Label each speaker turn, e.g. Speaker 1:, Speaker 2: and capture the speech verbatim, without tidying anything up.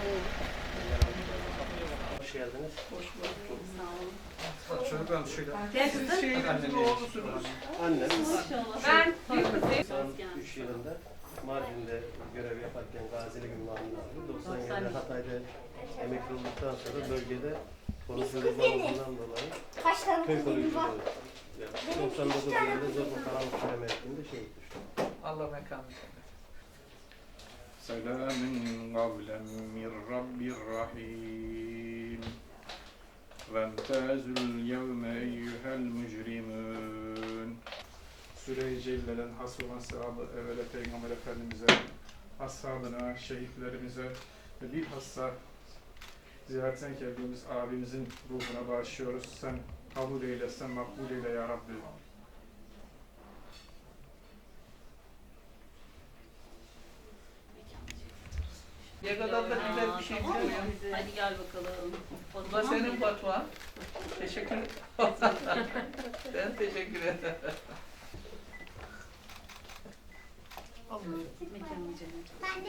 Speaker 1: Hoş geldiniz.
Speaker 2: Hoş bulduk.
Speaker 3: Sağ olun.
Speaker 1: Çocuklar şöyle.
Speaker 2: Siz şehrimizin oğlusunuz.
Speaker 1: Annem
Speaker 2: Ben bir kızım.
Speaker 1: doksan üç yılında Mardin'de görev yaparken gazilik ünvanını aldı. doksan yedide Hatay'da emekli olduktan sonra bölgede koruyuculuğundan dolayı köy koruyuculuğu yaptı. doksan dokuz yılında Zorba Karanlık Kule mevkiinde şehit düştü.
Speaker 3: Allah mekanı cennet.
Speaker 4: سلام قولا من رب رحيم وامتازوا اليوم أيها المجرمون Süre-i Celle'den has olan sevabı evvela Peygamber Efendimiz'e, ashabına, şehitlerimize ve bilhassa ziyaretten geldiğimiz abimizin ruhuna bağışlıyoruz. Sen kabul eyle, sen makbul eyle ya Rabbi.
Speaker 3: Ne kadar da güzel bir şey
Speaker 2: Tamam mı?
Speaker 3: söylüyorsun.
Speaker 2: Hadi gel bakalım.
Speaker 3: Bu da senin fatvan. Teşekkür ederim. Ben teşekkür ederim.
Speaker 2: Mekanı cennet.